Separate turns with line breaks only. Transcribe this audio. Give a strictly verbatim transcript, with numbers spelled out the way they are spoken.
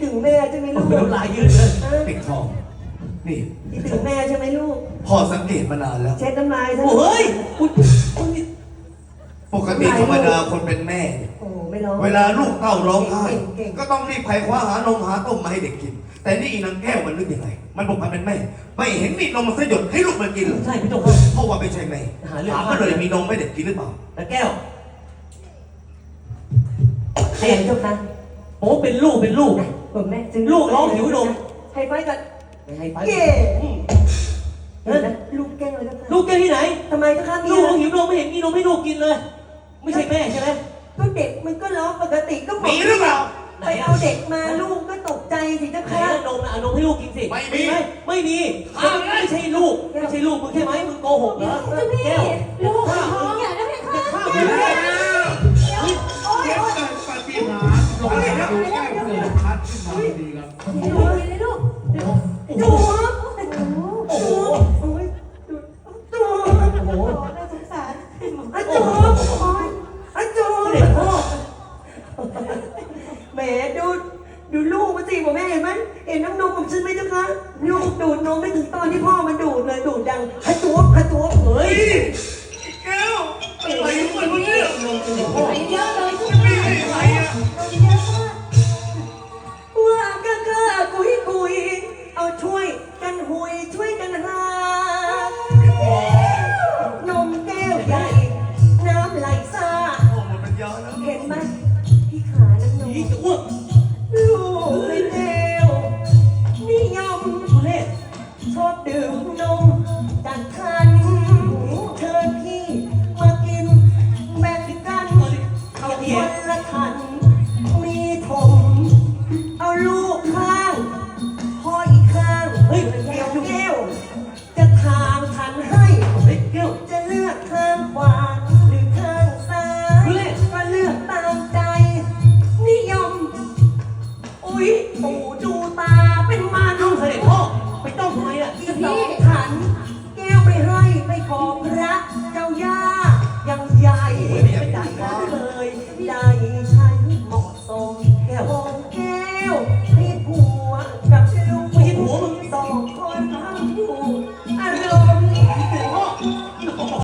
ถึงแม่ใช่ไหมลูก
น้ำลายยืดเลย
ปิดทองนี่
คิดถึงแม่ใช่ไหมลูก
พ่อสังเกตมานานแล้ว
เช็ดน้ำลายซะ
โอ้ยคุณคุณนี่
ปกติธรรมดาคนเป็นแม่เนี่ย
โอ้ไม่ร้อง
เวลาลูกเต้าร้องไห้
เก่งๆ
ก็ต้องรีบไขคว้าหานมหาต้มมาให้เด็กกิน แต่นี่อีนางแก้วมันนึกยังไงมันบอกมันเป็นแม่ ไม่เห็นมีนมมันสยดให้ลูกมันกินเลย
ใช่พี่ตงครับ
เพราะว่าไม่ใช่แม่
หาเรื่อง
ถามมันเลยมีนมให้เด็กกินหรือเปล่า
แล้วแก้ว
ใครเจ้าคะ
โอ้เป็นลูกเป็นลูก
ผมแม่จึง
ลูกร้องหิวนม
ให้ไฟกัน
ไม่ให้ไป
เย่
อืม
เห็นไหมลูกแกล้งเลยเจ้าค่ะ
ลูกแกที่ไหน
ทำไมเจ้าค่ะ
ลู
พี่
กร้องหิวนมไม่เห็นมีนมให้ลูกกินเลย ไม่ใช่แม่ใช่ไหม
ก็เด็กมันก็ร้องปกติก็
มีหรือเปล่า
ไปเอาเด็กมาลูกก็ตกใจสิเจ้า
ไหน
ค่ะ
อะนมนะเอานมให้ลูกกินสิ
ไม่มี
ไหไม่มีไม่ใช่ลูกไม่ใช่ลูกมึงใช่ไหมมึงโกหกเหรอแก้ว
ลูกท้องอย่าได้ไหมคะ
ข้าว
เดี๋ยว
ไม่
เดี๋
ได้
ยวโอ๊ย
เกิดปาฏิหาริย์ลงมาดูแก้วเกิดพัดขึ้นมาพอดีครับ
ลูกเลยลูก
จูบ
โอ้โห
โอ้ยจูบ
โอ้โห
น่าสงสาร
อะจูบอะจูบ
เด็กพ่อ
แหมดูดูลูกมันสิผมแม่เห็นไหมเห็นน้ำนมผมฉันไหมเจ้าคะลูกดูดนมไม่ถึงตอนที่พ่อมันดูดเลยดูดดังฮะจูบฮะจูบ
เฮ้ย
แก้วอะไรของมันวะเนี่ย
นมเป็นเด็กพ่อ